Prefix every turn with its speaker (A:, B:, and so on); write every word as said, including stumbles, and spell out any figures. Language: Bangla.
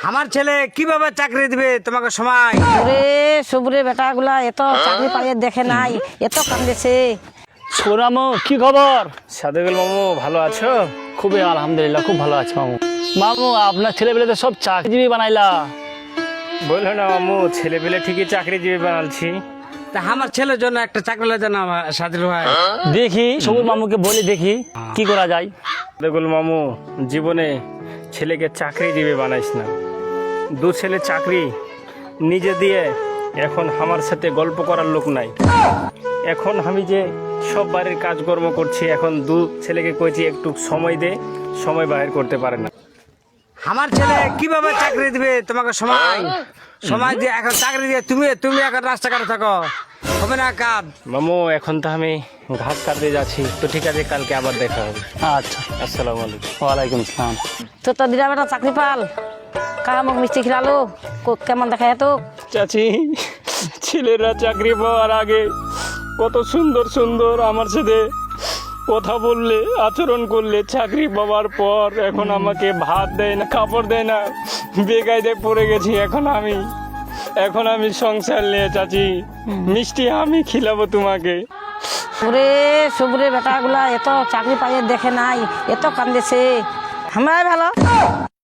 A: আমার ছেলে কিভাবে চাকরি দিবে তোমাকে সময়?
B: ওরে সবুরে বেটাগুলা এত চাকরি পাইয়ে দেখে নাই, এত কান্দেছে।
C: সোনামু কি খবর?
D: সাদেকুল মামু ভালো আছো?
C: খুবই আলহামদুলিল্লাহ, খুব ভালো আছে মামু। মামু আপনার ছেলেপেলে তো সব চাকরিজীবী বানাইলা।
D: বললো না মামু, ছেলে পেলে ঠিকই চাকরিজীবী বানালছি।
A: তা আমার ছেলের জন্য একটা চাকরি লাগে না সাদিল ভাই?
C: দেখি সবুর মামুকে বলে দেখি কি করা যায়।
D: সাদেকুল মামু, জীবনে ছেলেকে চাকরিজীবী বানাইস না। দু ছেলে চাকরি নিজে দিয়ে এখন আমার সাথে গল্প করার লোক নাই। এখন আমি যে সব বাড়ির কাজকর্ম করছি, এখন দু ছেলেকে কইছি একটু সময় দে, সময় বাইর করতে পারে না।
A: আমার ছেলে কিভাবে চাকরি দিবে তোমাকে সময়? সময় দিয়ে এখন চাকরি দিয়ে তুমি তুমি এখন রাস্তাঘাটে থাকো, হবে না কাজ।
D: মামু এখন তো আমি ঘাস কাটতে যাচ্ছি, তো ঠিক আছে, কালকে আবার দেখা হবে।
C: আচ্ছা,
D: আসসালামু আলাইকুম।
C: ওয়ালাইকুম আসসালাম।
B: তো তোর দিদা বেটা চাকরি পাল, কামক মিষ্টি খিলালো, কো- কেমন দেখা তো?
D: চাচি, ছেলেরা চাকরি পাওয়ার আগে কত সুন্দর সুন্দর আমার সাথে কথা বললে, আচরণ করলে, চাকরি পাওয়ার পর এখন আমাকে ভাত দেয় না, কাপড় দেয় না, বেকায়দায় পড়ে গেছি। এখন আমি এখন আমি সংসার নিয়ে চাচি, মিষ্টি আমি খিলাবো তোমাকে।
B: ওরে সবুরে বেটাগুলা এত চাকরি পাইয়ে দেখে নাই, এত কান্দেছে। আমরাই ভালো।